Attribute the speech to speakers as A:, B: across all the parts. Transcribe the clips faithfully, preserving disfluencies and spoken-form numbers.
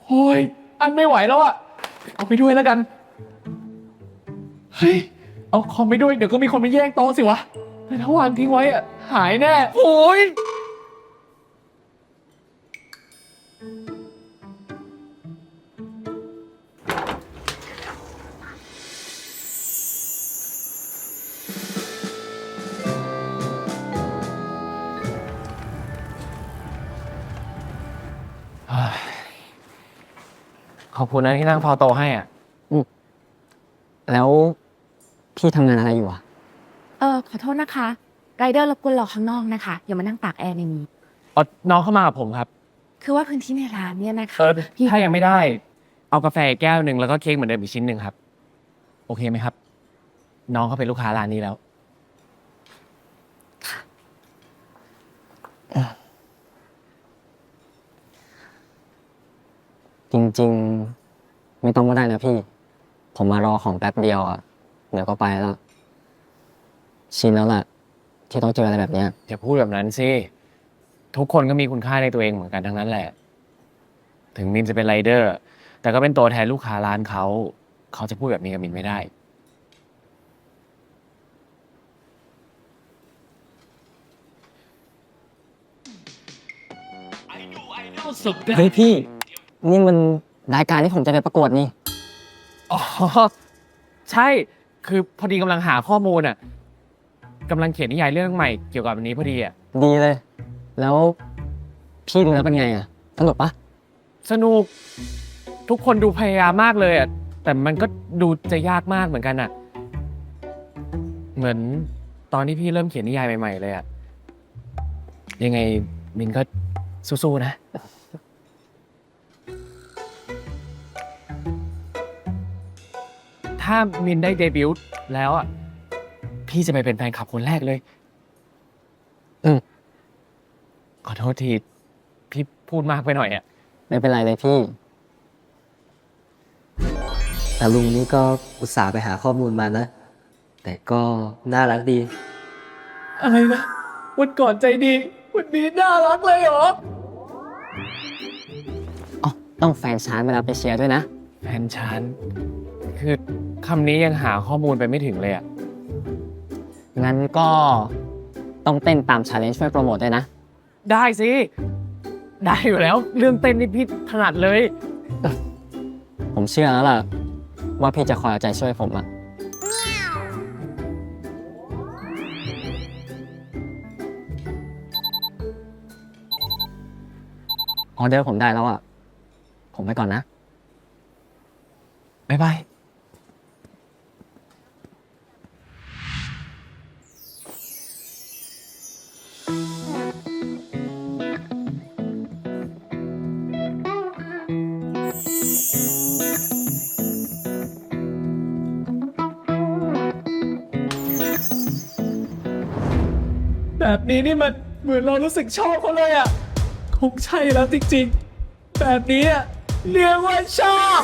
A: โอ้ยอันไม่ไหวแล้วอะเอาไปด้วยแล้วกันเฮ้ยเอาคอมไปด้วยเดี๋ยวก็มีคนมาแย่งโต๊ะสิวะแต่ถ้าวางทิ้งไว้อะหายแน่โอ้ยขอบคุณนะที่นั่งพอโตให้อ่ะ
B: แล้วพี่ทำงานอะไรอยู่อ่ะ
C: เออขอโทษนะคะไรเดอร์รบกวนรอข้างนอกนะคะอย่ามานั่งตากแอร์ในนี้
A: อ๋อน้องเข้ามากับผมครับ
C: คือว่าพื้นที่ในร้านเนี่ยนะคะ
A: เออ
C: พี่
A: ถ้ายังไม่ได้ เอากาแฟแก้วหนึ่งแล้วก็เค้กเหมือนเดิมอีกชิ้นหนึ่งครับ โอเคไหมครับ น้องเขาเป็นลูกค้าร้านนี้แล้ว
B: จริงๆไม่ต้องก็ได้นะพี่ ผมมารอของแป๊บเดียวอ่ะเดี๋ยวก็ไปแล้วชินแล้วล่ะที่ต้องเจออะไรแบบเนี้ย
A: อย่าพูดแบบนั้นสิ ทุกคนก็มีคุณค่าในตัวเองเหมือนกันทั้งนั้นแหละ ถึงมินจะเป็นไรเดอร์ แต่ก็เป็นตัวแทนลูกค้าร้านเขา เขาจะพูดแบบนี้กับมินไม่ได้ สุด
B: เฮ้ยพี่ นี่มันรายการที่ผมจะไปประกวดนี่
A: อ๋อ ใช่ คือพอดีกำลังหาข้อมูลอ่ะกำลังเขียนนิยายเรื่องใหม่เกี่ยวกับอันนี้พอดีอ่ะ
B: ดีเลย แล้วพี่ดูแล้วเป็นไงอ่ะสนุกปะ
A: สนุก ทุกคนดูพยายามมากเลยอ่ะ แต่มันก็ดูจะยากมากเหมือนกันอ่ะ เหมือนตอนที่พี่เริ่มเขียนนิยายใหม่ๆเลยอ่ะ ยังไงมินก็สู้ๆนะ ถ้ามินได้เดบิวต์แล้วอ่ะ พี่จะไปเป็นแฟนคลับคนแรกเลย
B: อืม
A: ขอโทษที พี่พูดมากไปหน่อยอ่ะ
B: ไม่เป็นไรเลยพี่
D: แต่ลุงนี่ก็อุตส่าห์ไปหาข้อมูลมานะ แต่ก็น่ารักดี
A: อะไรนะวันก่อนใจดี วันนี้น่ารักเลยเหรอ
B: อ๋อต้องแฟนชานเวลาไปเชียร์ด้วยนะ
A: แฟนฉัน คือคำนี้ยังหาข้อมูลไปไม่ถึงเลยอ่ะ
B: งั้นก็ต้องเต้นตาม challenge ช่วยโปรโมทด้วยนะ
A: ได้สิ ได้อยู่แล้ว เรื่องเต้นนี่พี่ถนัดเลย
B: ผมเชื่อแล้วล่ะ ว่าพี่จะคอยเอาใจช่วยผมอะออเดอร์ผมได้แล้วอะผมไปก่อนนะ
A: บ๊ายบาย แบบนี้นี่มันเหมือนเรารู้สึกชอบเขาเลยอ่ะ คงใช่แล้วจริงๆ แบบนี้อ่ะเรียกว่าชอบ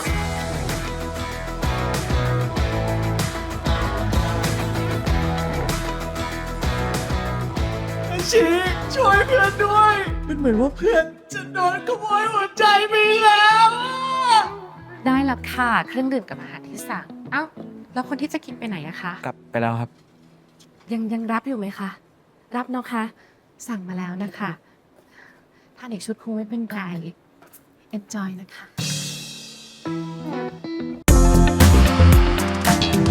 A: อาชีช่วยเพื่อนด้วยมันเหมือนว่าเพื่อนจะโดนขโมยหัวใจไปแล้วอะ
C: ได้แล้วค่ะเครื่องดื่มกับอาหารที่สั่งเอ้าแล้วคนที่จะกินไปไหนอะคะ
A: กลับไปแล้วครับ
C: ยังยังรับอยู่ไหมคะรับเนาะคะสั่งมาแล้วนะคะทานอีกชุดคงไม่เป็นไร enjoy นะคะ